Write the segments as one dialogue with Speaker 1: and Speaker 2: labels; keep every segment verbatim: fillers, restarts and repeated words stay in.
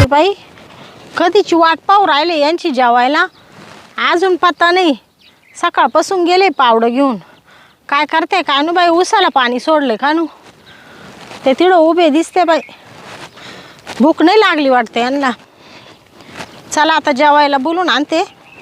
Speaker 1: बाई कधीची वाट पाहू राहिले यांची जेवायला, अजून पत्ता नाही. सकाळपासून गेले पावडं घेऊन. काय करते काय नु बाई, उसाला पाणी सोडले का नु, ते तिकडं उभे दिसते बाई. भूक नाही लागली वाटते यांना. चला आता जेवायला बोलून आणते.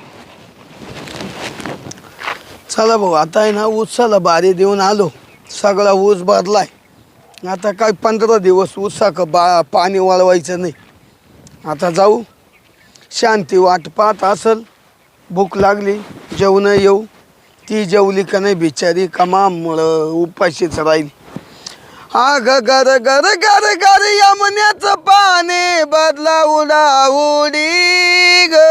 Speaker 2: चला भाऊ, आता आहे ना ऊसाला बारी देऊन आलो. सगळा ऊस भरलाय. आता काय पंधरा दिवस ऊसाक बा पाणी वळवायचं नाही. आता जाऊ, शांती वाट पाहत असल. भूक लागली, जेवण येऊ. ती जेवली का नाही बिचारी, कमामुळं उपाशीच राहील. हा ग गर गर गर गर यमुन्याचं पाणी बदला उडा उडी ग,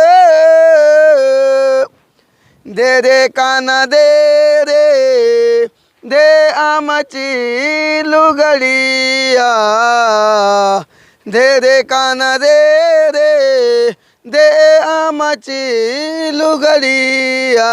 Speaker 2: दे रे काना दे रे दे आमची लुगडिया, दे रे काना दे रे दे आमची लुगडिया.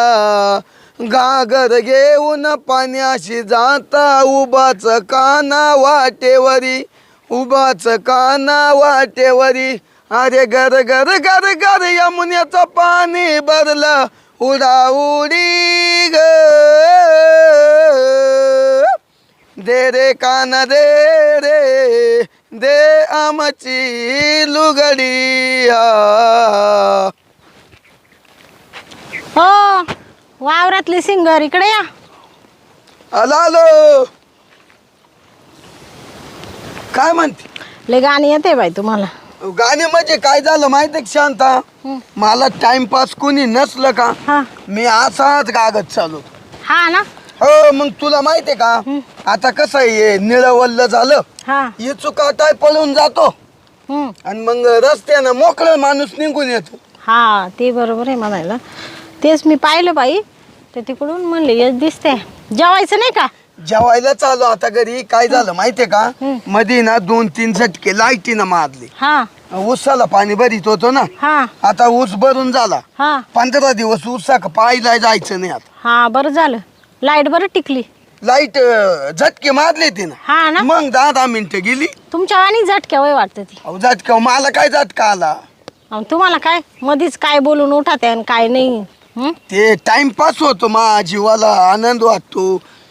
Speaker 2: गागर घेऊन पाण्याशी जाता उभाच काना वाटेवरी, उभाच काना वाटेवरी. अरे गर गर गर गर यमुन्याचं पाणी भरलं उडा उडी ग, दे रे काना दे रे दे आमची लुगडिया.
Speaker 1: हो वावरातली सिंगर इकडे या.
Speaker 2: आलो आलो. काय म्हणते?
Speaker 1: लय गाणी येते बाई तुम्हाला.
Speaker 2: गाणे म्हणजे काय झालं माहिती का शांता, मला टाइमपास कोणी नसलं का
Speaker 1: हा
Speaker 2: मी असाच गागत चालू.
Speaker 1: हा ना.
Speaker 2: हो मग तुला माहितीये का आता कसं आहे, निळवल्ल झालं
Speaker 1: हा
Speaker 2: हे चुकाटाय पळून जातो
Speaker 1: हम्म.
Speaker 2: आणि मग रस्त्यानं मोकळं माणूस निघून येतो.
Speaker 1: हा ते बरोबर आहे म्हणायला. तेच मी पाहिलं बाई, ते तिकडून म्हणले येस दिसते. जेवायचं नाही का?
Speaker 2: जेवायला चालू आता घरी. काय झालं माहितीये का, मध्ये ना दोन तीन झटके लाईटीनं मारले.
Speaker 1: हा
Speaker 2: ऊसाला पाणी भरीत होतो ना,
Speaker 1: हा
Speaker 2: आता ऊस भरून झाला.
Speaker 1: हा
Speaker 2: पंधरा दिवस ऊसाक पायला जायचं नाही. आता
Speaker 1: हा बरं झालं, लाईट बरं टिकली.
Speaker 2: लाईट झटके मारले ते ना,
Speaker 1: हा ना.
Speaker 2: मग दहा दहा मिनिटं गेली.
Speaker 1: तुमच्या वाणी झटक्या वय वाटतं ती.
Speaker 2: अहो झटका मला काय झटका आला.
Speaker 1: अहो, तुम्हाला काय मधीच काय बोलून उठा आणि काय नाही. हं?
Speaker 2: ते टाइमपास होतो, मा जीवाला आनंद वाटतो.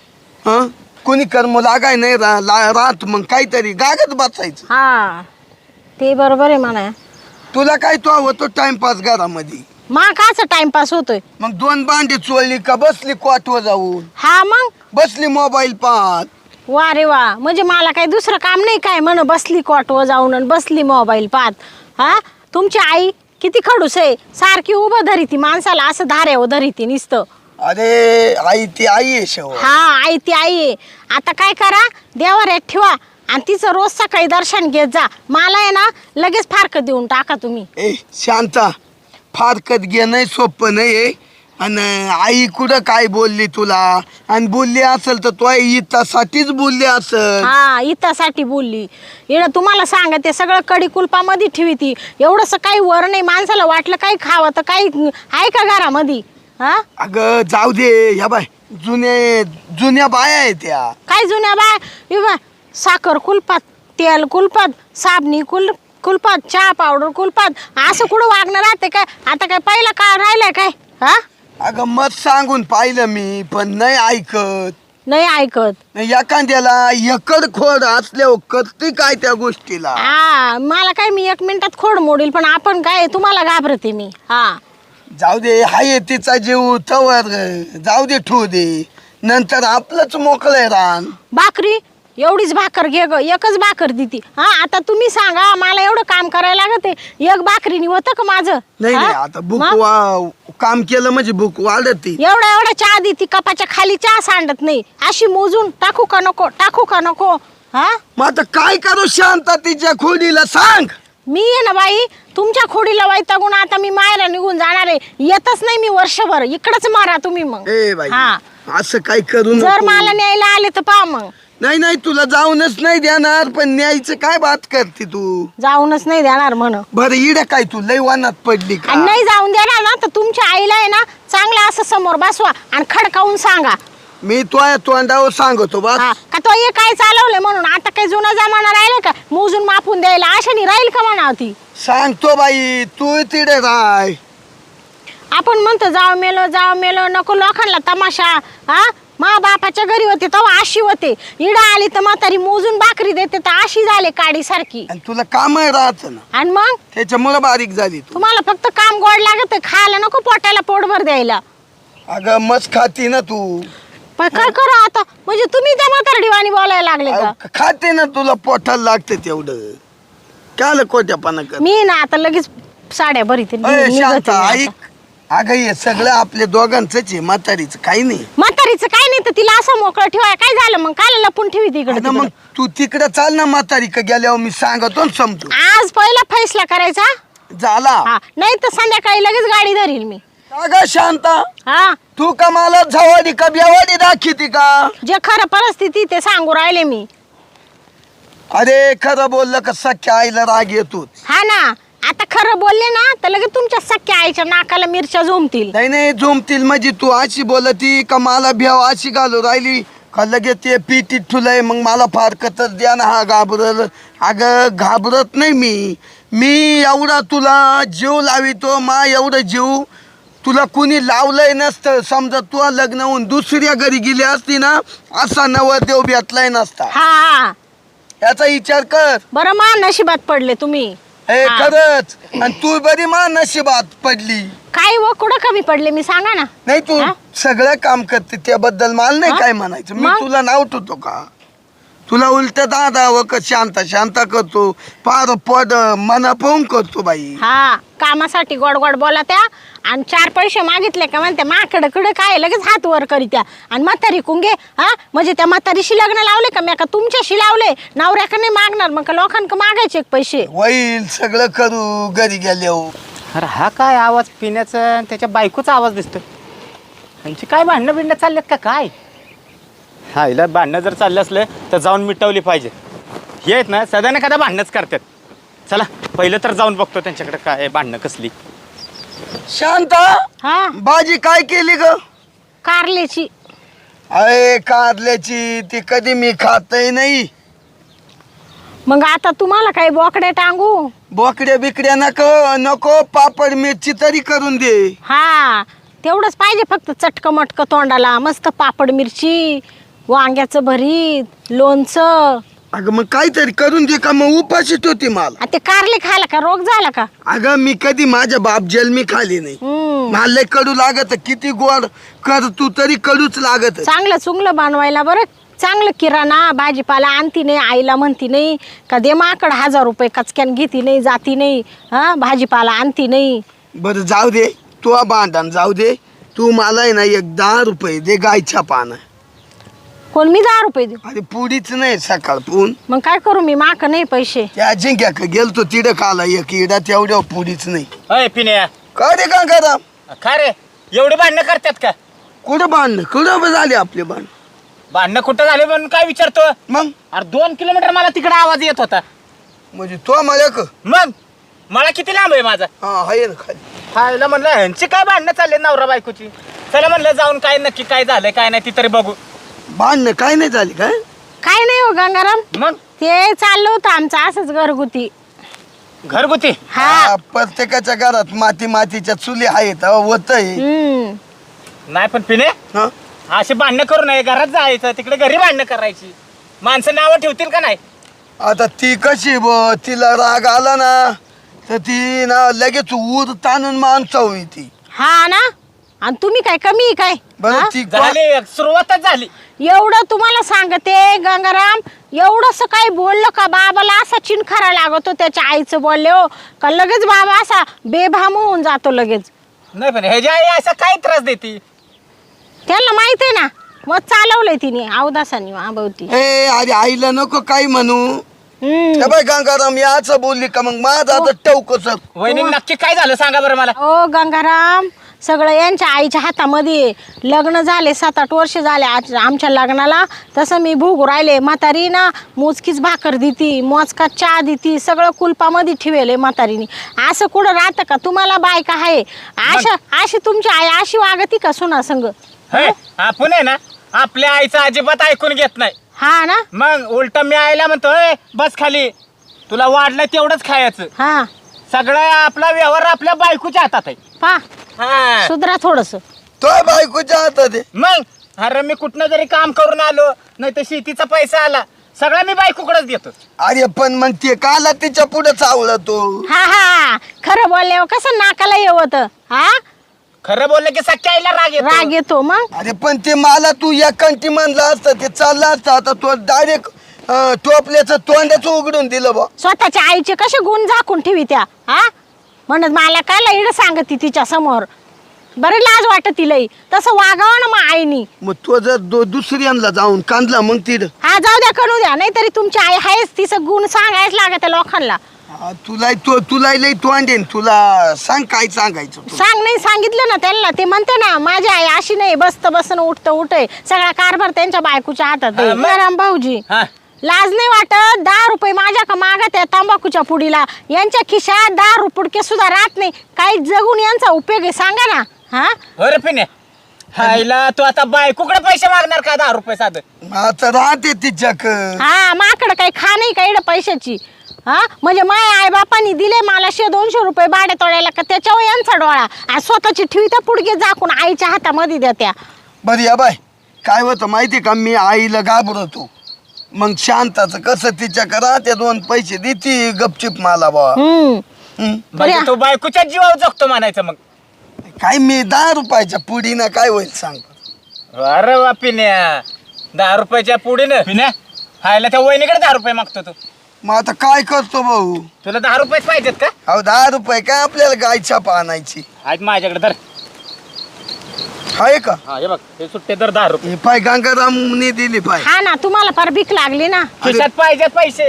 Speaker 2: हं कोणी कर्म लागाय नाही रा ला- राहत मग काहीतरी गागत बसायचं.
Speaker 1: हा ते बरोबर आहे म्हणा.
Speaker 2: तुला काय तो होतो टाइमपास घरामध्ये.
Speaker 1: मा काचा टाइमपास होतोय.
Speaker 2: मग दोन भांडी चोळली का बसली क्वाटवर जाऊन,
Speaker 1: हा मग
Speaker 2: बसली मोबाईल पाहत.
Speaker 1: वा रे वा, म्हणजे मला काही दुसरं काम नाही काय म्हण, बसली कॉटवर जाऊन आणि बसली मोबाईल पाहत. हा तुमची आई किती खडूस आहे, सारखी उभं धरी ती माणसाला, असं धाऱ्यावर धरी ती नुसतं.
Speaker 2: अरे आई ती आई आहे शेवट.
Speaker 1: हा आई ती आई आहे. आता काय करा, देवाऱ्यात ठेवा आणि तिचं रोज सकाळी दर्शन घेत जा. मला आहे ना लगेच फारकत देऊन टाका तुम्ही.
Speaker 2: ए शांता, फारकत घेणं सोपं नाही. आणि आई कुठं काय बोलली तुला, आणि बोलली असेल तर तो इतासाठीच बोलली असेल.
Speaker 1: हा इतासाठी बोलली. येणं तुम्हाला सांगते सगळं कडी कुलपामध्ये ठेवी ती. एवढंसं काही वर नाही, माणसाला वाटलं काही खावं तर काही आहे का घरामध्ये. हा
Speaker 2: अगं जाऊ दे, ह्या बाय जुने जुन्या बाया आहेत त्या.
Speaker 1: काय जुन्या बाय, हे बाय साखर कुलपात, तेल कुलपात, साबणी कुल कुलपात, चहा पावडर कुलपात, असं कुठं वागणं राहते काय. आता काय पहिला काळ राहिलाय काय. हा
Speaker 2: अगं मत सांगून पाहिलं मी, पण नाही ऐकत.
Speaker 1: नाही ऐकत.
Speaker 2: एखाद्याला एकड खोड असल्यावर करते काय त्या गोष्टीला.
Speaker 1: हा मला काय, मी एक मिनिटात खोड मोडील, पण आपण काय तुम्हाला घाबरते मी. हा
Speaker 2: जाऊ दे, हाय तिचा जीव तवर जाऊ दे, ठेवू दे, नंतर आपलंच मोकळं रान.
Speaker 1: भाकरी एवढीच भाकर घे ग, एकच भाकर देती. हा आता तुम्ही सांगा, मला एवढं काम करायला लागत आहे, एक भाकरीने होतं का माझं.
Speaker 2: नाही नाही, आता बुक वा काम केलं म्हणजे बुक वाढत.
Speaker 1: एवढा एवढा चहा देती, कपाच्या खाली चहा सांडत नाही. अशी मोजून टाकू का नको, टाकू का नको. हा
Speaker 2: मग आता काय करू शांता, तिच्या खोडीला सांग.
Speaker 1: मी आहे ना बाई, तुमच्या खोडीला वैतागून आता मी मायला निघून जाणार आहे. येतच नाही मी वर्षभर, इकडच मारा तुम्ही मग.
Speaker 2: ए बाई
Speaker 1: हा
Speaker 2: असं काय करू
Speaker 1: जर
Speaker 2: नको.
Speaker 1: मला न्यायला आले तर पहा मग.
Speaker 2: नाही नाही, तुला जाऊनच नाही देणार, पण न्यायचं काय बात करते तू.
Speaker 1: जाऊनच नाही देणार म्हण.
Speaker 2: बरं इड काय तू लय वानात पडली का.
Speaker 1: आणि नाही जाऊन देणार ना तर तुमच्या आईला आहे ना चांगलं असं समोर बसवा आणि खडकावून सांगा.
Speaker 2: मी तो तोंडावर सांगतो बा.
Speaker 1: हा, का तो हे काय चालवलंय म्हणून आता काही जुना जमाना राहिला का मोजून मापून द्यायला आशानी राहील का म्हणा ती.
Speaker 2: सांगतो बाई तू तिडे राय.
Speaker 1: आपण म्हणतो जाव मेलो जाव मेलो नको लोकांना तमाशा. हा मा बापाच्या घरी होते तेव्हा आशी होते, इडा आली तर म्हातारी मोजून भाकरी देते तर आशी झाले काडी सारखी.
Speaker 2: आणि तुला काम राहत ना
Speaker 1: आणि मग
Speaker 2: त्याच्यामुळे बारीक झाली तू.
Speaker 1: तुम्हाला फक्त काम गोड लागत खायला नको पोटाला पोटभर द्यायला.
Speaker 2: अगं मस्त खाती ना तू.
Speaker 1: पण काय करा आता म्हणजे तुम्ही त्या म्हातारडीवाणी बोलायला लागले का.
Speaker 2: अहो, खाते ना तुला पोटाला लागते तेवढं काल कोट्यापणा कर.
Speaker 1: मी ना आता लगेच साड्या भरीते
Speaker 2: अय,
Speaker 1: निघते
Speaker 2: शांत
Speaker 1: मी आता.
Speaker 2: ऐक. अगं हे सगळं आपल्या दोघांचंच आहे, म्हातारीचं काही नाही.
Speaker 1: म्हातारीचं काय नाही तर तिला असं मोकळं ठेवाय काय झालं मग काल लपून ठेवी तिकडे
Speaker 2: अगं मग तू तिकडे चाल ना म्हातारी का गेल्यावर मी सांगतो ना समजू.
Speaker 1: आज पहिला फैसला करायचा.
Speaker 2: झाला.
Speaker 1: हा नाही तर संध्याकाळी लगेच गाडी धरील मी.
Speaker 2: अगं शांता
Speaker 1: हा
Speaker 2: तू का मला झवाडी का बेवाडी दाखवती का.
Speaker 1: जे खरं परिस्थिती ते सांगू राहिले मी.
Speaker 2: अरे खरं बोललं का सख्या आईला राग येतो.
Speaker 1: हा ना आता खरं बोलले ना तर लगेच तुमच्या सख्या आईच्या नाकाला मिरच्या झोमतील.
Speaker 2: नाही नाही झोमतील म्हणजे तू अशी बोलती का मला भ्याव अशी घालू राहिली का लगेच ते पिटीत ठुलय मग मला फारकतच द्या ना हा घाबरल. अगं घाबरत नाही मी मी एवढा तुला जीव लावितो मा एवढं जीव तुला कुणी लावलंय नसतं. समजा तू लग्न होऊन दुसऱ्या घरी गेली असती ना असा नवरदेव भेटलाय नसता.
Speaker 1: हा
Speaker 2: याचा विचार कर.
Speaker 1: बरं मा नशिबात पडले तुम्ही.
Speaker 2: हे
Speaker 1: हा.
Speaker 2: खरंच आणि तू बरी मा नशिबात पडली.
Speaker 1: काय व कुठं कमी पडले मी सांगा ना.
Speaker 2: नाही तू
Speaker 1: हा?
Speaker 2: सगळं काम करते त्याबद्दल मला नाही
Speaker 1: हा?
Speaker 2: काय म्हणायचं. मी
Speaker 1: मग?
Speaker 2: तुला नाव ठेवतो का. तुला उलट दादा व क शांता शांता करतो पार पड मना पाहून करतो बाई.
Speaker 1: हा कामासाठी गोड गोड बोला त्या आणि चार पैसे मागितले का म्हणते माकडं कडं काय लगेच हात वर करीत्या आणि म्हातारी कुंगे. हा म्हणजे त्या म्हातारीशी लग्न लावले का मी का तुमच्याशी लावले. नवऱ्याकडे नाही मागणार मग का लोकांक मागायचे एक पैसे.
Speaker 2: होईल सगळं करू घरी गेल्यावर.
Speaker 3: अरे हा काय आवाज पिण्याचा आणि त्याच्या बायकोचा आवाज दिसतोय. त्यांची काय भांडणं बिंडणं चाललेत का काय. हा हिला भांडणं जर चालले असले तर जाऊन मिटवली पाहिजे. हे आहेत ना सध्या ना कदा भांडणंच करतात. चला पहिलं तर जाऊन बघतो त्यांच्याकडे काय भांडणं कसली.
Speaker 2: शांता
Speaker 1: हा
Speaker 2: भाजी काय केली ग.
Speaker 1: कारल्याची.
Speaker 2: अरे कारल्याची ती कधी मी खातही नाही.
Speaker 1: मग आता तुम्हाला काही बोकडे टांगू.
Speaker 2: बोकड्या बिकड्या नको नको पापड मिरची तरी करून दे.
Speaker 1: हा तेवढंच पाहिजे फक्त चटक मटक तोंडाला मस्त पापड मिरची वांग्याचं भरीत लोणचं.
Speaker 2: अगं मग काहीतरी करून दे का मग उपाशीच होती मला.
Speaker 1: आ ते कारले खायला का रोग झाला का.
Speaker 2: अगं मी कधी माझ्या बाप जन्मी खाली नाही.
Speaker 1: हम्म
Speaker 2: मला लय कडू लागत किती गोड कर तू तरी कडूच लागत.
Speaker 1: चांगलं चुंगलं बनवायला बरं चांगलं किराणा भाजीपाला आणती नाही आईला म्हणती नाही का दे माकड हजार रुपये कचक्यान घेती नाही जाती नाही. हा भाजीपाला आणती नाही.
Speaker 2: बरं जाऊ दे तू भांडण जाऊ दे. तू मला आहे ना एक दहा रुपये दे गायच्या पानं.
Speaker 1: कोण मी दहा रुपये देऊ.
Speaker 2: अरे पुडीच नाही सकाळ पून
Speaker 1: मग काय करू मी माक नाही पैसे.
Speaker 2: त्या अजिंक्या गेलतो तिडं खाला एक इडा तेवढ्या पुडीच नाही.
Speaker 3: अय पिण्या
Speaker 2: काय रे का करा
Speaker 3: काय रे एवढे भांडणं करतात का.
Speaker 2: कुठं बांधणं कुठं झाले आपले बांध.
Speaker 3: भांडणं कुठं झाले म्हणून काय विचारतो.
Speaker 2: मग
Speaker 3: अरे दोन किलोमीटर मला तिकडे आवाज येत होता.
Speaker 2: म्हणजे तो मला क
Speaker 3: मग मला किती लांब आहे माझा.
Speaker 2: हा आहे ना खाली.
Speaker 3: खायला म्हणलं ह्यांची काय भांडणं चालले नवरा बायकोची. चला म्हणलं जाऊन काय नक्की काय झालंय काय नाही ती तरी बघू.
Speaker 2: बांधणं काय नाही झाली काय.
Speaker 1: काय नाही हो गंगाराम
Speaker 3: मग
Speaker 1: ते चाललं होतं आमचं असंच घरगुती.
Speaker 3: घरगुती.
Speaker 1: हा
Speaker 2: हा, प्रत्येकाच्या घरात माती मातीच्या चुली आहेत होत
Speaker 1: हम्म
Speaker 3: नाही पण पिणे
Speaker 2: हा
Speaker 3: अशी भांडणं करू नये घरात जायचं तिकडे घरी भांडणं करायची. माणसं नावं ठेवतील का नाही.
Speaker 2: आता ती कशी ब तिला राग आला ना तर ती ना लगेच ऊर ताणून माणसा होई ती.
Speaker 1: हा ना आणि तुम्ही काय कमी आहे काय.
Speaker 2: बरं
Speaker 1: हा?
Speaker 2: ती
Speaker 3: झाली सुरुवातच झाली.
Speaker 1: एवढं तुम्हाला सांगते गंगाराम एवढंस काही बोललं का बाबाला असा चिनखारा लागतो त्याच्या आईचं बोलले हो का लगेच बाबा असा बेभाम होऊन जातो लगेच.
Speaker 3: नाही पण ह्याच्या आई असा काय त्रास देते.
Speaker 1: त्यांना माहित आहे ना मग चालवलंय तिने अवदासानी आबवती.
Speaker 2: ए अरे आईला नको काय म्हणू.
Speaker 1: हम्म
Speaker 2: ए बाय गंगाराम याच बोलली का मग माझा आता टवकच.
Speaker 3: वहिनी नक्की काय झालं सांगा बरं मला.
Speaker 1: ओ गंगाराम सगळं यांच्या आईच्या हातामध्ये आहे. लग्न झाले सात आठ वर्ष झाले आज आमच्या लग्नाला तसं मी भोगू राहिले. म्हातारी ना मोजकीच भाकर देती मोजका चहा देती सगळं कुलपामध्ये ठेवले म्हातारीने. असं कुठं राहतं का तुम्हाला बायका आहे अशा अशी तुमची आई अशी वागती का सुना संग.
Speaker 3: हे आपण आहे ना आपल्या आईचं अजिबात ऐकून घेत नाही.
Speaker 1: हा ना.
Speaker 3: मग उलट मी आईला म्हणतोय बस खाली, तुला वाढलं तेवढंच खायचं.
Speaker 1: हा
Speaker 3: सगळं आपला व्यवहार आपल्या बायकोच्या हातात आहे.
Speaker 1: पा
Speaker 3: हा.
Speaker 1: सुधरा थोडस.
Speaker 2: तो बायकोच्या हातात आहे.
Speaker 3: मग अरे मी कुठनं जरी काम करून आलो नाही तर शेतीचा पैसा आला सगळा मी बायकोकडेच देतो.
Speaker 2: अरे पण मग ते काला तिच्या पुढे चावला तो.
Speaker 1: हा हा खरं बोलल्यावर कसं नाकाला येवत. हा
Speaker 3: खरं बोललं की सख्या आईला राग येतो.
Speaker 1: राग येतो मग.
Speaker 2: अरे पण ते मला तू या कंटी म्हणलं असतं ते चाललं असतं. आता तो डायरेक्ट टोपल्याचं तोंडाचं उघडून दिलं बा.
Speaker 1: स्वतःच्या आईचे कसे गुण झाकून ठेवी त्या. हा म्हणत मला काय इड सांगती तिच्या समोर. बरं लाज वाटत तिलाही तसं वागावं ना मग आईनी.
Speaker 2: मग तो जर दो- दुसऱ्यांना जाऊन कांदला मग तिथं
Speaker 1: हा जाऊ द्या करू द्या नाही तरी तुमची आई आहेच तिचं गुण सांगायच लागत लोकांना.
Speaker 2: हा, तुला तो तुला लई तोंडेन तुला सांग काय सांगायचं तू.
Speaker 1: सांग नाही सांगितलं ना त्यांना ते म्हणते ना माझी आई अशी नाही बसत बसन उठतं उठे सगळा कारभार त्यांच्या बायकोच्या हातात आहे.
Speaker 3: हा, मग?
Speaker 1: राम भाऊजी
Speaker 3: हा.
Speaker 1: लाज नाही वाटत. दहा रुपये माझ्या का मागत आहे तंबाखूच्या पुडीला. यांच्या खिशात दहा रुपये सुद्धा राहत नाही. काही जगून यांचा उपयोग आहे सांगा ना. हा
Speaker 3: बरं पिण्या आईला तू आता बायकोकडे पैसे मागणार का दहा रुपये साधं.
Speaker 2: आता राहते तिच्याक.
Speaker 1: हा माकडं काही खा नाही का इकडं पैशाची. हा म्हणजे माय आई बापांनी दिले मला शे दोनशे रुपये भाडे तोडायला का त्याच्यावर यांचा डोळा आणि स्वतःची ठेवीता पुडके झाकून आईच्या हातामध्ये द्या.
Speaker 2: बरं या बाय काय होतं माहिती का मी आईला घाबरतो. मग शांताचं कसं तिच्या करा ते दोन पैसे देती गपचिप मला बा.
Speaker 1: हम्म
Speaker 2: हं?
Speaker 3: म्हणजे
Speaker 1: बरं.
Speaker 3: तू बायकोच्या जीवावर जगतो म्हणायचं मग.
Speaker 2: काय मी दहा रुपयाच्या पुडीनं काय होईल सांग.
Speaker 3: अरे वा पिण्या दहा रुपयाच्या पुढे पिण्या हायला त्या वहिनीकडे दहा रुपये मागतो तू.
Speaker 2: मग आता काय करतो भाऊ.
Speaker 3: तुला दहा रुपयेच पाहिजेत का.
Speaker 2: अहो दहा रुपये काय आपल्याला गाय छापा आणायची
Speaker 3: आज माझ्याकडे धर.
Speaker 2: आहे का.
Speaker 3: हा हे बघ हे सुट्टे दर दहा रुपये
Speaker 2: हे पाय गंगारामने दिली पाय.
Speaker 1: हा ना तुम्हाला फार भीक लागली ना.
Speaker 3: खिशात पाहिजेत पैसे.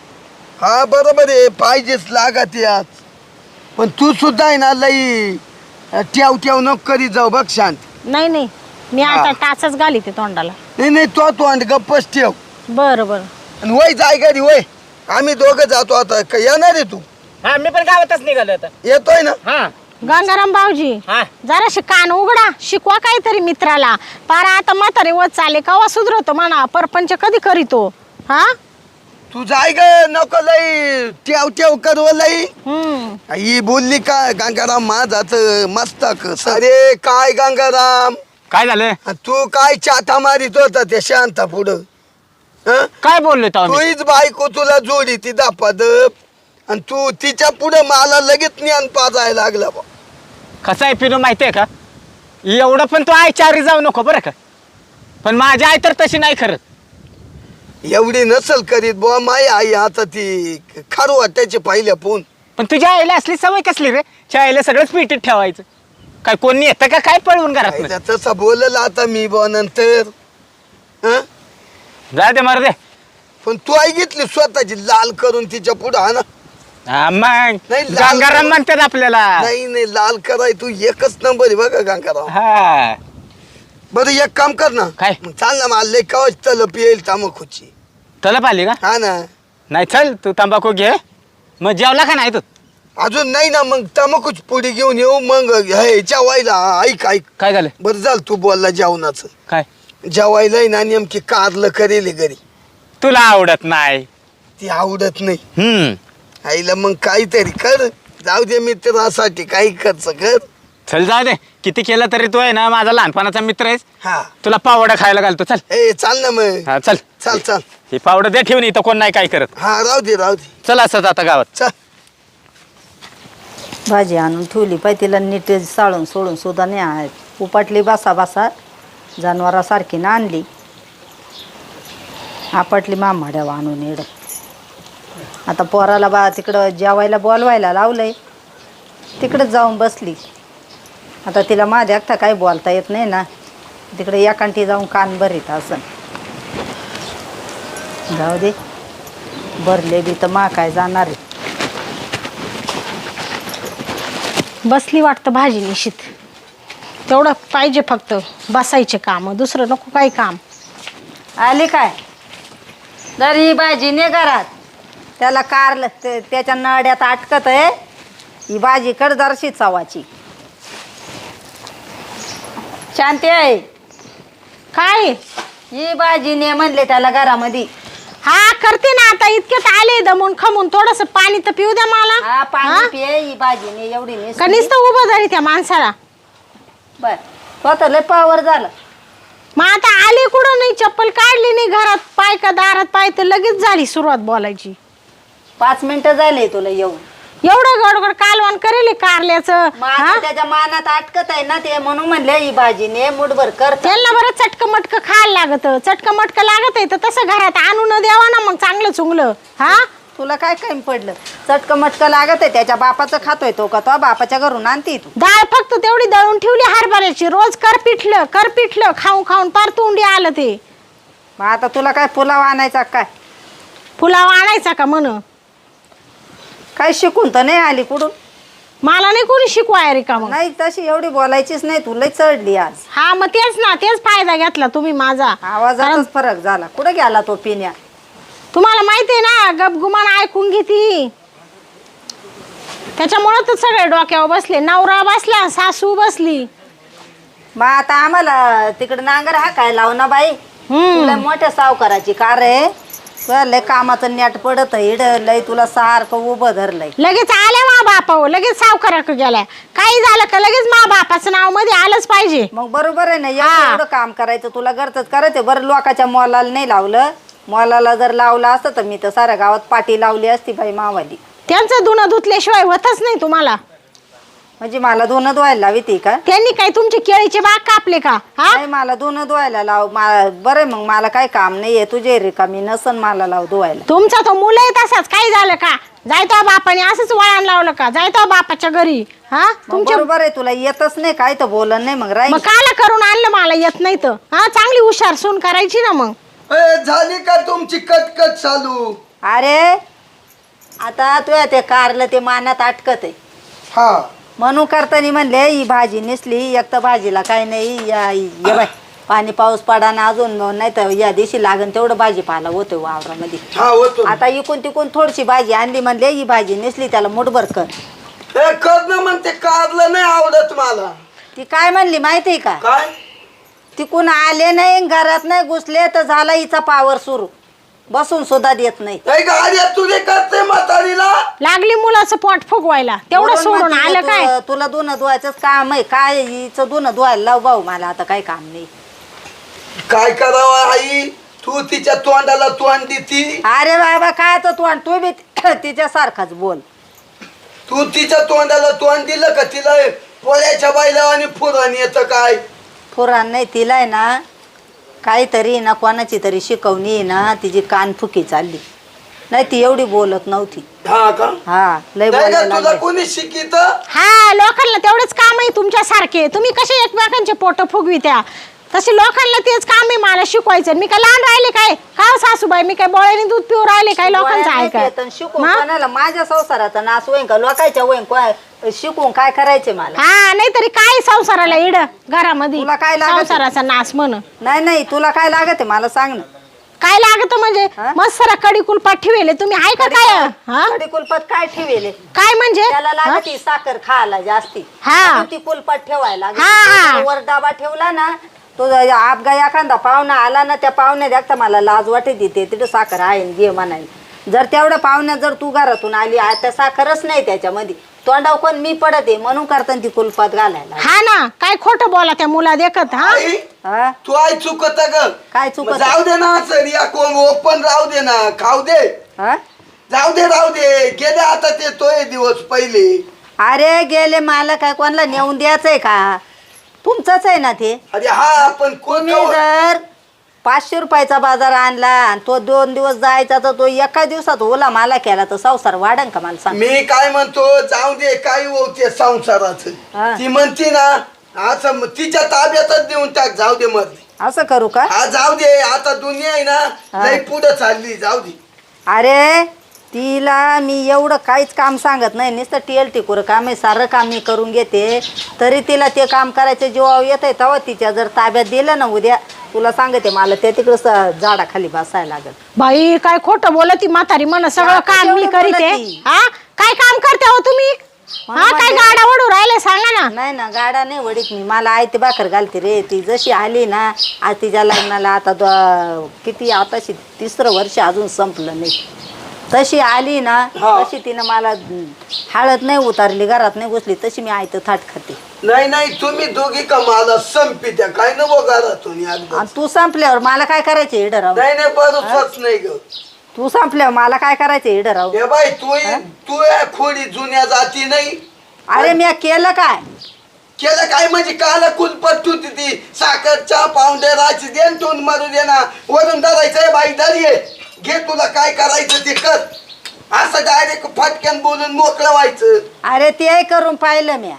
Speaker 2: हा बरोबर आहे पाहिजेच लागत यात. पण तू सुद्धा आहे ना लई ठेव ठेव नको करीत जाऊ बघ शांत.
Speaker 1: नाही नाही मी
Speaker 2: हा.
Speaker 1: आता टाचच घाली ते तोंडाला.
Speaker 2: नाही नाही तो तोंड गप्पच ठेव.
Speaker 1: बरं बरं
Speaker 2: आणि वय जाय घरी वय आम्ही दोघं जातो आता का येणार आहे तू.
Speaker 3: हा मी पण गावातच निघालो आता.
Speaker 2: येतोय ना.
Speaker 3: हा
Speaker 1: गंगाराम भाऊजी
Speaker 3: हा
Speaker 1: जराशी कान उघडा शिकवा काहीतरी मित्राला. पारा आता म्हातारे वच चाले कवा सुधरवतो म्हणा परपंच कधी करीतो. हा
Speaker 2: तू जाय ग नको लई ठेव ठेव करव लई.
Speaker 1: हम्म
Speaker 2: ही बोलली का गंगाराम माझाच मस्तक. अरे काय गंगाराम
Speaker 3: काय झालं.
Speaker 2: तू काय चाटा मारित होता त्या शांता पुढं. हं?
Speaker 3: काय बोललो तो आम्ही.
Speaker 2: तूच बायको तुला जोडी ती दापादप आणि तू तिच्या पुढे मला लगेच ज्ञान पाजायला लागला बा.
Speaker 3: कसं आहे पिनू माहितीये का एवढं पण तू आईचारी जाऊ नको बरं का. पण माझी आई तर तशी नाही खरं.
Speaker 2: एवढी नसल करीत बुवा माय आई आता ती खारू वाटायची पहिल्या फोन.
Speaker 3: पण तुझ्या आईला असली सवय कसली रे त्या आईला सगळंच पिटीत ठेवायचं. काय कोणी येतं का काय पळवून घरात.
Speaker 2: आईला तसं बोलल आता मी बुवा नंतर. हं?
Speaker 3: जा दे मार दे.
Speaker 2: पण तू आई घेतली स्वतःची लाल करून तिच्या पुढं हा ना.
Speaker 3: हा मग
Speaker 2: नाही, लाल-
Speaker 3: गंगाराम म्हणतात आपल्याला.
Speaker 2: नाही नाही लाल कराय तू एकच नंबर आहे बघा गंगाराम.
Speaker 3: हा
Speaker 2: बरं एक काम कर ना.
Speaker 3: काय?
Speaker 2: मग चाल ना मला लय कवच तलप येईल तांबाखूची.
Speaker 3: तलप आली का.
Speaker 2: हा ना.
Speaker 3: नाही चल तू तंबाखू घे मग जेवला का नाही तू.
Speaker 2: अजून नाही ना मग तंबाखूच पुढे घेऊन येऊ मग हे जेवायला. ऐक ऐक
Speaker 3: काय झालं.
Speaker 2: बरं झालं तू बोलला जेवणाचं.
Speaker 3: काय
Speaker 2: जेवायला आहे ना नेमकी कारलं करेल घरी.
Speaker 3: तुला आवडत नाही.
Speaker 2: ती आवडत नाही.
Speaker 3: हम्म
Speaker 2: आईला मग काहीतरी कर. जाऊ दे मित्रासाठी काही खर्च कर.
Speaker 3: चल जाऊ दे किती केलं तरी तू आहे ना माझा लहानपणाचा मित्र आहेस.
Speaker 2: हा
Speaker 3: तुला पावडा खायला घालतो चल.
Speaker 2: ए चाल ना मग.
Speaker 3: हा चल
Speaker 2: चाल चाल.
Speaker 3: ही पावडं दे ठेवून इथं कोण नाही काय करत.
Speaker 2: हा राहू दे राहू दे.
Speaker 3: चल असंच आता गावात.
Speaker 2: चल.
Speaker 4: भाजी आणून ठेवली पाय तिला नीट साळून सोडून सुद्धा नाही आहेत. उपाटली बासा बासा जनावरासारखी ना आणली. आपटली मामाड्यावा आणून येड. आता पोराला बा तिकडं जेवायला बोलवायला लावलंय तिकडंच जाऊन बसली. आता तिला माझ्या एकटा काही बोलता येत नाही ना. तिकडे एकांटी जाऊन कान भरीत असं. जाऊ दे भरले बी तर मा काय जाणार आहे.
Speaker 1: बसली वाटतं भाजी निशित. तेवढं पाहिजे फक्त बसायचे काम दुसरं नको काही काम.
Speaker 4: आली काय तर ही भाजी ने घरात त्याला कारलं ते त्याच्या नड्यात अटकत आहे. ही भाजी कर जराशी चवाची. शांती आहे
Speaker 1: काय
Speaker 4: ही भाजी ने म्हणले त्याला घरामध्ये.
Speaker 1: हा करते ना आता. इतक्यात आले दमून खमून. थोडस पाणी तर पिऊ द्या मला.
Speaker 4: हा पाणी
Speaker 1: हा?
Speaker 4: पिये. ही भाजी ने एवढी
Speaker 1: का
Speaker 4: नेसली.
Speaker 1: नुसतं उभं झाली त्या माणसाला.
Speaker 4: बर स्वतः लय पावर झालं.
Speaker 1: मग आता आली कुठं नाही, चप्पल काढली नाही घरात, पाय का दारात पाय, तर लगेच झाली सुरुवात बोलायची.
Speaker 4: पाच मिनिटं झाले तुला येऊन.
Speaker 1: एवढं गडगड कालवण करेल कारल्याचं.
Speaker 4: मग आता त्याच्या मानात अटकत आहे ना ते, म्हणून म्हणले ही भाजी ने मुठभर कर.
Speaker 1: त्यांना बरं चटक मटक खायला लागत. चटक मटक लागत आहे तर तसं घरात आणून द्यावा ना मग चांगलं चुंगलं. हा
Speaker 4: तुला काय कमी पडलं? चटक मटक लागत आहे त्याच्या बापाचं खातोय तो का? तो बापाच्या घरून आणते तू.
Speaker 1: डाळ फक्त तेवढी दळून ठेवली हरभऱ्याची. रोज कर पिठलं कर पिठलं खाऊन खाऊन पार तोंडी आलं ते.
Speaker 4: मग आता तुला काय पुलाव आणायचा काय?
Speaker 1: पुलाव आणायचा का म्हण?
Speaker 4: काय शिकून तर नाही आली कुठून?
Speaker 1: मला नाही कोणी शिकवाय रे का मग.
Speaker 4: नाही तशी एवढी बोलायचीच नाही. तुला चढली आज.
Speaker 1: हा मग तेच ना, तेच फायदा घेतला तुम्ही माझा.
Speaker 4: आवाजातच फरक झाला. कुठे गेला तो पिण्या?
Speaker 1: तुम्हाला माहिती आहे ना, गपगुमान ऐकून घेती. त्याच्यामुळे तर सगळे डोक्यावर बसले. नवरा बसला, सासू बसली.
Speaker 4: मग आता आम्हाला तिकडे नांगर हा काय लाव ना बाई.
Speaker 1: हम्म.
Speaker 4: तुला मोठ्या सावकाराची कार आहे. तुला लय कामाचं नेट पडत इड लय तुला सारखं उभं धरलंय.
Speaker 1: लगेच आल्या मा बापावर, लगेच सावकाराक गेल्या. काही झालं का लगेच मा बापाचं नाव मध्ये आलंच पाहिजे.
Speaker 4: मग बरोबर आहे ना.
Speaker 1: हा.
Speaker 4: एवढं काम करायचं तुला घरचंच करायचं. बरं लोकाच्या मोलाला नाही लावलं. मोलाला जर लावलं असतं तर मी तर साऱ्या गावात पाटी लावली असती बाई मावाली.
Speaker 1: त्यांचं धुणं धुतल्याशिवाय होतच नाही तुम्हाला.
Speaker 4: म्हणजे मला धुणं धुवायला लावी ती का?
Speaker 1: त्यांनी काय तुमचे केळीचे बाग कापले का? हा
Speaker 4: नाही मला धुणं धुवायला लाव. बरं मग मला काही काम नाहीये. तुझे रिकामी नसन मला लाव धुवायला.
Speaker 1: तुमचा तो मुलं आहे तसाच. काही झालं का? जायतो बापाने असंच वळण लावलं का? जायतो बापाच्या घरी. हा
Speaker 4: मग
Speaker 1: तुमच्या
Speaker 4: बरोबर आहे. तुला येतच नाही काय तर बोलन नाही मग राहील.
Speaker 1: मग काला करून आणलं मला येत नाही तर. हा चांगली हुशार सून करायची ना मग.
Speaker 2: ए, झाली का तुमची कटकट चालू?
Speaker 4: अरे आता तुया ते कारलं ते मानात अटकत आहे
Speaker 2: हा
Speaker 4: म्हणून करताना म्हणले ही भाजी नेसली. एक तर भाजीला काय नाही. या ये बाय पाणी पाऊस पडा ना अजून नाही तर या दिवशी लागन तेवढं भाजीपाला होतोय वावरामध्ये.
Speaker 2: हा होतो.
Speaker 4: आता इकून तिकून थोडीशी भाजी आणली म्हणले ही भाजी नेसली त्याला मुठभर कर.
Speaker 2: ए, कर ना म्हणते. कारलं नाही आवडत मला.
Speaker 4: ती काय म्हणली माहितीये का?
Speaker 2: काय?
Speaker 4: तिकून आले नाही घरात नाही घुसले तर झाला हिचा पावर सुरू. बसून सुद्धा देत नाही.
Speaker 2: नाही का आर्या तुझे करते म्हातारीला?
Speaker 1: लागली मुलाचं पोट फुगवायला तेवढं
Speaker 4: म्हणून
Speaker 1: सोडून
Speaker 4: म्हणते
Speaker 1: आलं
Speaker 4: तू-
Speaker 1: काय?
Speaker 4: तुला धुणं धुवायचंच काम आहे काय? हिचं धुणं धुवायला लाव भाऊ. मला आता काही काम नाही.
Speaker 2: काय करावं आई? तू तिच्या तोंडाला तोंड देती.
Speaker 4: अरे बाबा काय तर तू आणि तू बी तिच्या सारखाच बोल.
Speaker 2: तू तिच्या तोंडाला तोंड दिलं का तिला पोळ्याच्या बायला आणि फुरण येतं काय?
Speaker 4: पुराण नाही तिला आहे ना काहीतरी ना कोणाची तरी शिकवणी आहे ना तिची कान फुकी चालली. नाही ती एवढी बोलत नव्हती.
Speaker 2: हा का?
Speaker 4: हा लय
Speaker 2: नाही का
Speaker 4: बोलायला
Speaker 2: तुला
Speaker 4: लागली.
Speaker 2: कोणी शिकित?
Speaker 1: हा लोकांना तेवढंच काम आहे तुमच्यासारखे. तुम्ही कसे एकमेकांचे पोट फुगवित्या तसे लोकांना तेच काम आहे मला शिकवायचं. मी काय लहान राहिले काय? का सासूबाई मी काय बोळ्याने दूध पिऊ राहिले काय? लोकांचं आहे
Speaker 4: डोळ्यात
Speaker 1: का?
Speaker 4: येतं शिकून
Speaker 1: हा?
Speaker 4: कोणाला माझ्या संसाराचा नाश होईन का? लोकांच्या होईन को- शिकून काय करायचे मला?
Speaker 1: हा नाहीतरी काय संसाराला इड घरामध्ये
Speaker 4: तुला काय लागत?
Speaker 1: संसाराचा नाश म्हण.
Speaker 4: नाही नाही तुला काय लागत आहे मला सांग ना.
Speaker 1: काय लागत म्हणजे?
Speaker 4: हा?
Speaker 1: मस्त कडी कुलपात ठेवले तुम्ही आहे का काय? हा
Speaker 4: कडी कुलपात काय ठेवले?
Speaker 1: काय म्हणजे?
Speaker 4: त्याला लागत ही साखर खायला जास्ती.
Speaker 1: हा.
Speaker 4: म्हणून ती कुलपात ठेवायला लागली.
Speaker 1: हा.
Speaker 4: तो वर डबा ठेवला ना तो आपगा एखादा पाहुणा आला ना त्या पाहुण्या देखता मला लाज वाटत देते तिथं साखर आहे न घे म्हणायला. जर तेवढ्या पाहुण्यात जर तू घरातून आली आता साखरच नाही त्याच्यामध्ये तोंडाव कोण मी पडत आहे म्हणून करताना ती कुलपात घालायला.
Speaker 1: हा ना काय खोटं बोला त्या मुला देखत. हा
Speaker 2: आई
Speaker 4: हा?
Speaker 2: तू आई चुकत ग.
Speaker 4: काय
Speaker 2: मग
Speaker 4: चुकत?
Speaker 2: जाऊ दे ना सर या कोण ओपन राहू दे ना खाऊ दे.
Speaker 4: हा?
Speaker 2: जाऊ दे राहू दे. गेले आता ते तोय दिवस पहिले.
Speaker 4: अरे गेले मला काय कोणाला नेऊन द्यायचंय का? तुमचंच आहे ना ते.
Speaker 2: अरे हा आपण कोण
Speaker 4: तुम्ही जर पाचशे रुपयाचा बाजार आणला आणि तो दोन दिवस जायचा तर तो एका दिवसात ओला मला केला तर संसार वाढन का मला सांग?
Speaker 2: मी काय म्हणतो जाऊ दे काय होते संसाराचं.
Speaker 4: हा.
Speaker 2: ती म्हणती ना असं म- तिच्या ताब्यातच देऊन टाक. जाऊ दे मरली.
Speaker 4: असं करू का?
Speaker 2: हा जाऊ दे. आता दुनिया आहे ना लई पुढे चालली. जाऊ दे.
Speaker 4: अरे तिला मी एवढं काहीच काम सांगत नाही नुसतं टेल टिकूर काम आहे सारं काम मी करून घेते तरी तिला ते काम करायचं जीवावर येत आहे तेव्हा तिच्या जर ताब्यात दिलं ना उद्या तुला सांगते मला ते तिकडं झाडाखाली बसायला लागल.
Speaker 1: बाई काय खोटं बोलती म्हातारी म्हण सगळं
Speaker 4: आता
Speaker 1: काम मी
Speaker 4: केवढं
Speaker 1: करीते.
Speaker 4: बोलती?
Speaker 1: हा काय काम करते हो तुम्ही?
Speaker 4: म्हणून
Speaker 1: हा काय
Speaker 4: म्हणते-
Speaker 1: गाडा ओढू राहिले सांगा ना.
Speaker 4: नाही ना गाडा नाही वडीत मी मला आयती भाकर घालते रे. ती जशी आली ना आज तिच्या लग्नाला आता दो- किती आताशी तिसरं वर्ष अजून संपलं नाही. तशी आली ना
Speaker 2: हा.
Speaker 4: तशी तिनं मला हळद नाही उतारली घरात नाही घुसली तशी मी आयतं थाट खाते.
Speaker 2: नाही नाही तुम्ही दोघी का मला संपी त्या काय नको घरातून एकदा.
Speaker 4: आणि तू संपल्यावर मला काय करायचं इडं राहू.
Speaker 2: नाही नाही बरोबरच नाही ग.
Speaker 4: तू संपल्यावर मला काय करायचं इडं राहू.
Speaker 2: हे बाई तू तू या खोडी जुन्या जाती नाही.
Speaker 4: अरे मी केलं काय.
Speaker 2: केलं काय म्हणजे काला कुलपट होती ती साखर चहा पावडे राची देन तोंड मारू दे ना वरून धरायचंय बाई धरी घे तुला काय करायचं ते कर. असं डायरेक्ट फटक्यान बोलून मोकळं व्हायचं.
Speaker 4: अरे ते करून पाहिलं म्या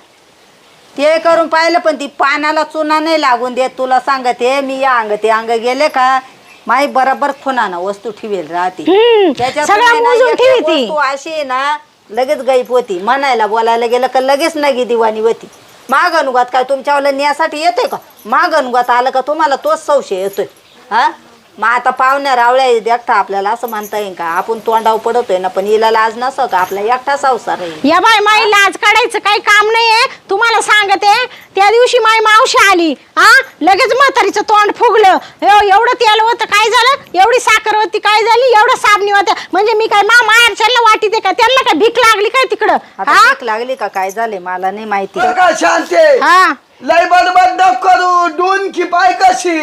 Speaker 4: ते करून पाहिलं पण ती पानाला चुना नाही लागून देत. तुला सांगते मी या अंग ते अंग गेले का माई बरोबर खुनाना वस्तू ठेवेल राहते.
Speaker 1: हम्म,
Speaker 4: त्याच्यात
Speaker 1: सगळं
Speaker 4: नाही ना
Speaker 1: मोजून
Speaker 4: एक
Speaker 1: ठेवी
Speaker 4: एक
Speaker 1: ती.
Speaker 4: वस्तू अशी आहे ना लगेच गायब होती. म्हणायला बोलायला गेलं का लगेच नगी दिवाणी होती. माग अनुगात काय तुमच्यावाला न्यासाठी येतोय का. माग अनुगात आलं का तुम्हाला तोच संशय येतोय. हा मग आता पाहुण्या रावळ्या एकटा आपल्याला असं म्हणता येईल का. आपण तोंडाव पडतोय ना पण हिला लाज नसं का आपला एकटा संसार आहे.
Speaker 1: या बाय माई लाज काढायचं काही काम नाहीये. तुम्हाला सांगते त्या दिवशी माई मावशी आली हा लगेच म्हातारीचं तोंड फुगलं. एव- एवढं तेल होतं काय झालं एवढी साखर होती काय झाली एवढं साबणी होतं म्हणजे मी काय मा माहेरच्याला वाटी दे का त्यांना काय भीक लागली काय तिकडं.
Speaker 4: आता
Speaker 1: हा
Speaker 4: भीक लागली का काय झाले मला नाही माहिती.
Speaker 2: बरं का शांते
Speaker 1: हा
Speaker 2: लय बडबड नको करू. डून की पाय कशी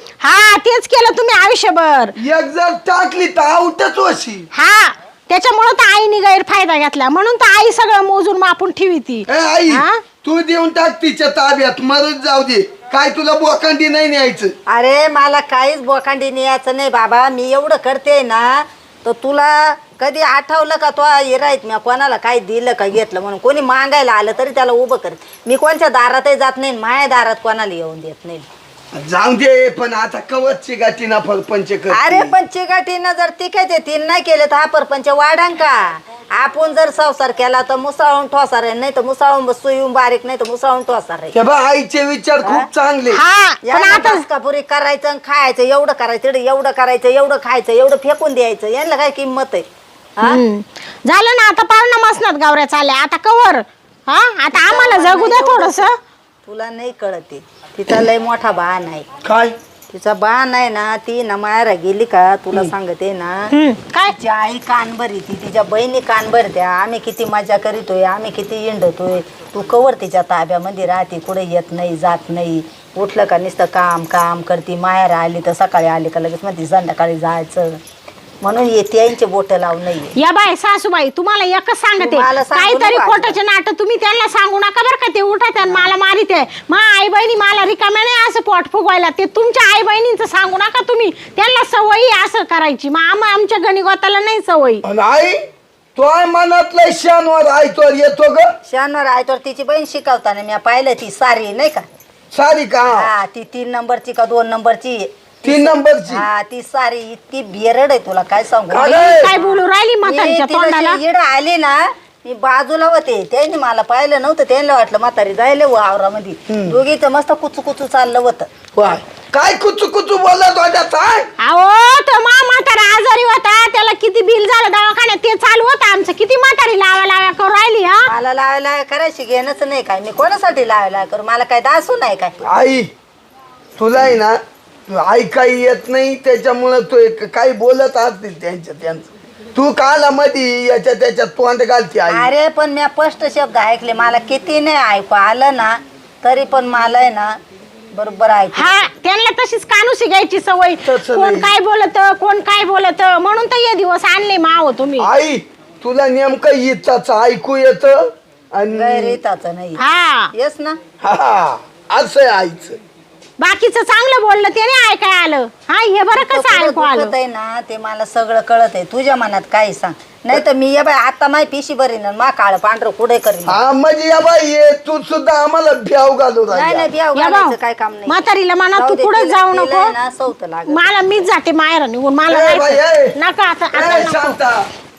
Speaker 1: हा तेच केलं तुम्ही आयुष्यभर.
Speaker 2: एक जर टाकली तर आउटच होशी.
Speaker 1: हा त्याच्यामुळं तर आईने गैरफायदा घेतला म्हणून तर आई सगळं मोजून मापून ठेवी ती.
Speaker 2: ए आई
Speaker 1: हा?
Speaker 2: तू देऊन टाक तिच्या ताब्यात मरत जाऊ दे. काय तुला बोकांडी नाही न्यायचं.
Speaker 4: अरे मला काहीच बोकांडी न्यायचं नाही बाबा. मी एवढं करते ना तर तुला कधी आठवलं का तो हिरायत मी कोणाला काय दिलं का घेतलं म्हणून. कोणी मागायला आलं तरी त्याला उभं करत. मी कोणच्या दारातही जात नाही माझ्या दारात कोणाला येऊन देत नाही.
Speaker 2: जाऊ दे पण आता कवचची गाठी ना फरपंच कर.
Speaker 4: अरे पण चिकाटीनं जर तिकायचे तीन नाही केले तर हा परपंच वाढां का. आपण जर संसार केला तर मुसाळून ठोसार आहे नाही तर मुसाळून सुईऊन बारीक नाही तर मुसाळून ठोसार आहे.
Speaker 2: ते बा आईचे विचार खूप चांगले.
Speaker 1: हा पण
Speaker 4: यांना
Speaker 1: आता
Speaker 4: कापुरी करायचं आणि खायचं एवढं करायचं इकडे एवढं करायचं एवढं खायचं एवढं फेकून द्यायचं यांना काय किंमत आहे. हा?
Speaker 1: हम्म. झालं ना आता पाहुणा मसनात गावऱ्या चालल्या आता कवर. हा आता आम्हाला जगू द्या थोडस.
Speaker 4: तुला नाही कळते तिचा लय मोठा बाण आहे.
Speaker 2: काय
Speaker 4: तिचा बाण आहे ना ती ना मायारा गेली का तुला सांगते ना
Speaker 1: काय
Speaker 4: तिची आई कान भरी ती तिच्या बहिणी कान भरत्या. आम्ही किती मजा करीतोय आम्ही किती हिंडतोय. तू कवर तिच्या ताब्यामध्ये राहते कुठे येत नाही जात नाही. उठलं का नुसतं काम काम करते. मायारा आली तर सकाळी आली का लगेच म्हणते संध्याकाळी जायचं म्हणून येते यांचे बोट लावून नाही.
Speaker 1: या बाय सासूबाई तुम्हाला एकच सांगते
Speaker 4: तुम्हाला सांगू
Speaker 1: काहीतरी
Speaker 4: नको
Speaker 1: खोटाचे नाटक तुम्ही त्यांना सांगू नका बरं का. ते उठत आणि मला मारित आहे. मा आई बहिणी मला रिकाम्या नाही असं पोट फुगवायला. ते तुमच्या आई बहिणींचं सांगू नका तुम्ही. त्यांना सवयी असं करायची मग आम आमच्या गणिगोताला नाही सवयी.
Speaker 2: आणि आई तो मनातलं शानवर आयतोर येतो ग.
Speaker 4: शनिवार आहे तर तिची बहीण शिकवताना मी पाहिलं ती सारी नाही का.
Speaker 2: सारी का
Speaker 4: हा ती तीन नंबरची का दोन नंबरची.
Speaker 2: तीन नंबरची.
Speaker 4: हा ती सारी इतकी बेरड आहे तुला काय सांगू.
Speaker 2: अरे
Speaker 1: काय बोलू राहिली म्हातारीच्या तोंडाला.
Speaker 4: इड आली ना मी बाजूला होते त्यांनी मला पाहिलं नव्हतं. त्यांना वाटलं म्हातारी जायला वावरामध्ये दोघीचं मस्त कुचू कुचू चाललं होतं.
Speaker 2: वाय काय कुचू कुचू बोलत होत्या काय.
Speaker 1: अहो तो मा म्हातारा आजारी होता त्याला किती बिल झालं दवाखान्यात ते चालू होतं आमचं. किती म्हातारी लावा लाव्या करू राहिली. हा
Speaker 4: मला लावायला करायची घेणंच नाही काय. मी कोणासाठी लावायला करू मला काय दासू नाही काय.
Speaker 2: आई तुला आहे ना ऐकाई येत नाही त्याच्यामुळं तू एक काही बोलत असतील त्यांच्या त्यांचं. तू काला मधी याच्या त्याच्यात तोंड घालते आई.
Speaker 4: अरे पण मी स्पष्ट शब्द ऐकले मला किती नाही ऐकू आलं ना तरी पण मला आहे ना बरोबर ऐकू.
Speaker 1: हा त्यांना तशीच कानुसी घ्यायची सवय.
Speaker 2: तसं
Speaker 1: कोण
Speaker 2: नाही.
Speaker 1: काय बोलत कोण काय बोलत म्हणून तर हे दिवस आणले माव तुम्ही.
Speaker 2: आई तुला नेमकं इथंच ऐकू येत आणि
Speaker 4: गैरहिताचं नाही.
Speaker 1: हा
Speaker 4: येस ना.
Speaker 2: हा असं आहे आईचं.
Speaker 1: बाकीचं चांगलं बोललं ते नाही ऐकाय आलं. हा हे बरं कसं ऐकू आलं.
Speaker 4: आहे ना ते मला सगळं कळत आहे. तुझ्या मनात काय सांग नाही तर मी ये बाय आता माय पिशी बरी ना मा काळ पांढरं कुठे करीन.
Speaker 2: हा म्हणजे या बाई ये तू सुद्धा आम्हाला भ्याव घालू
Speaker 4: नाही नाही
Speaker 2: राहिली.
Speaker 4: बियाव
Speaker 1: या
Speaker 4: घालायचं
Speaker 1: भाऊ,
Speaker 4: काय काम नाही.
Speaker 1: म्हातारीला म्हणा
Speaker 4: जाऊ
Speaker 1: तू
Speaker 4: दे,
Speaker 1: पुढे
Speaker 4: तिला-
Speaker 1: जाऊ
Speaker 4: तिला
Speaker 1: नको.
Speaker 4: आहे ना सवत लागत.
Speaker 1: मला मीच जाते माहेर निघून मला
Speaker 2: ए बाई,
Speaker 1: जायचं.
Speaker 2: ए.
Speaker 1: नका आता आता
Speaker 2: ए,
Speaker 1: नको.
Speaker 2: शांता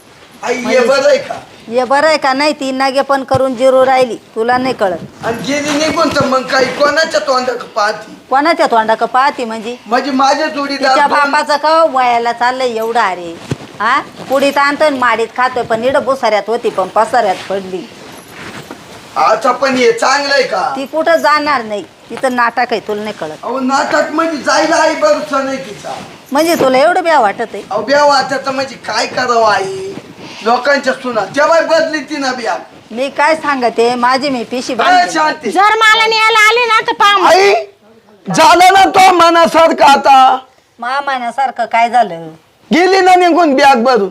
Speaker 2: आई ये बरं आहे का.
Speaker 4: ये बरं आहे का नाही ती नागे पण करून जिरू राहिली तुला नाही कळत.
Speaker 2: आणि गेली निघून तर मग काही कोणाच्या तोंडाक पाहती.
Speaker 4: कोणाच्या तोंडा का पाहती म्हणजे
Speaker 2: म्हणजे माझ्या जोडीदार
Speaker 4: तिच्या
Speaker 2: दोन-
Speaker 4: बापाचं का वयाला चाललंय एवढं. अरे हा पुढीत आणतोय माडीत खातोय पण इड बुसाऱ्यात होती पण पसाऱ्यात पडली.
Speaker 2: आता पण हे चांगलं आहे का?
Speaker 4: ती कुठं जाणार नाही, तिथं नाटक आहे, तुला नाही कळत.
Speaker 2: अहो नाटक म्हणजे जायला आई भरोसा नाही तिचा.
Speaker 4: म्हणजे तुला एवढं ब्या वाटत आहे?
Speaker 2: अहो ब्या वाटत म्हणजे काय करावं आई, लोकांच्या सुना तेव्हा बदली ती ना ब्या.
Speaker 4: मी काय सांगते, माझी मी पिशी
Speaker 2: काय
Speaker 4: बांधते.
Speaker 2: शांती
Speaker 1: जर मला न्यायला आले ना तर पहा
Speaker 2: आई, झालं ना तो मनासारखं. आता
Speaker 4: मामाण्यासारखं काय झालं?
Speaker 2: गेली ना निघून बॅग भरून.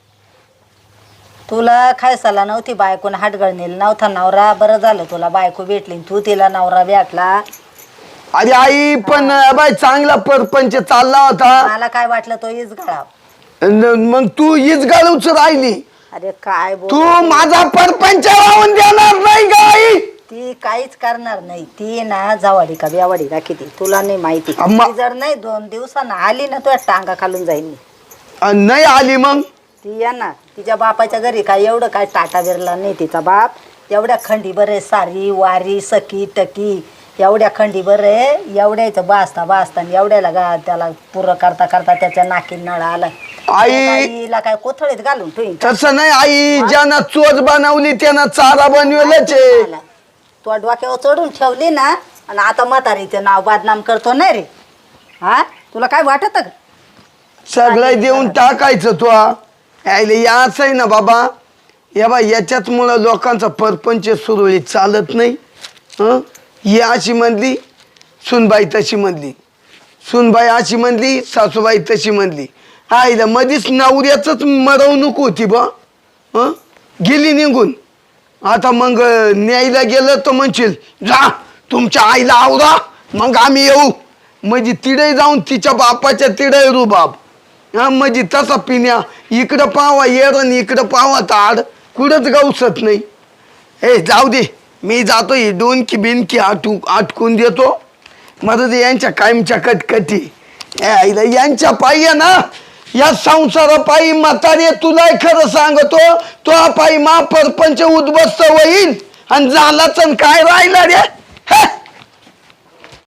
Speaker 4: तुला खायसाला नव्हती बायकोन हाटगळणीला नव्हता नवरा, बरं झालं तुला बायको भेटली, तू तिला नवरा भेटला.
Speaker 2: अरे आई पण बाई चांगला परपंच चालला होता.
Speaker 4: मला काय वाटलं तो इज गळा.
Speaker 2: न- मग तू हीच गाळूच राहिली.
Speaker 4: अरे काय बोल,
Speaker 2: तू माझा परपंच लावून देणार नाही का आई?
Speaker 4: ती काहीच करणार नाही. ती ना जावाडी का ब्यावाडी का किती तुला नाही माहिती.
Speaker 2: अम्मा.
Speaker 4: ती जर नाही दोन दिवसानं आली ना तुझ्या टांगा खालून जाईल मी.
Speaker 2: अन नाही आली मग?
Speaker 4: ती येणार तिच्या बापाच्या घरी. काय एवढं काय टाटा बिरला नाही तिचा बाप. एवढ्या खंडी बरे सारी वारी सकी टकी एवढ्या खंडी बरे, एवढ्याचं बासता बासता एवढ्याला गा त्याला पुरं करता करता त्याच्या नाकी नळ आला.
Speaker 2: आई
Speaker 4: आईला काय कोथळीत घालून ठेवीन.
Speaker 2: तसं नाही आई, ज्यानं चोच बनवली त्यानं चारा बनवलंच आहे.
Speaker 4: तू डोक्यावर चढून ठेवली ना, आणि आता म्हातारीचं नाव बदनाम करतो नाही रे. हा तुला काय वाटत का?
Speaker 2: सगळं देऊन टाकायचं तो. यायला याच आहे ना बाबा, या बा याच्याच मुळे लोकांचा परपंच सुरळीत चालत नाही. हं ही अशी म्हणली, सुनबाई तशी म्हणली, सुनबाई अशी म्हणली, सासूबाई तशी म्हणली. आईला मधीच नवऱ्याचंच मरवणूक होती बा. हं गेली निघून. आता मग न्यायला गेलं तर म्हणशील जा तुमच्या आईला आवरा मग आम्ही येऊ. म्हणजे तिडे जाऊन तिच्या बापाच्या तिडे रुबाब. हा म्हणजे तसा पिण्या इकडं पावा येरण इकडं पावा ताड कुठंच गावसत नाही. हे जाऊ दे, मी जातो ही डोनकी बिनकी आटू आटकून देतो. मला ते यांच्या कायमच्या कटकटी आईला यांच्या पायी आहे ना, या संसारापायी म्हातारे तुला खरं सांगतो, तो पायी मा परपंच उद्ध्वस्त होईल आणि झालाच काय राहिला रे.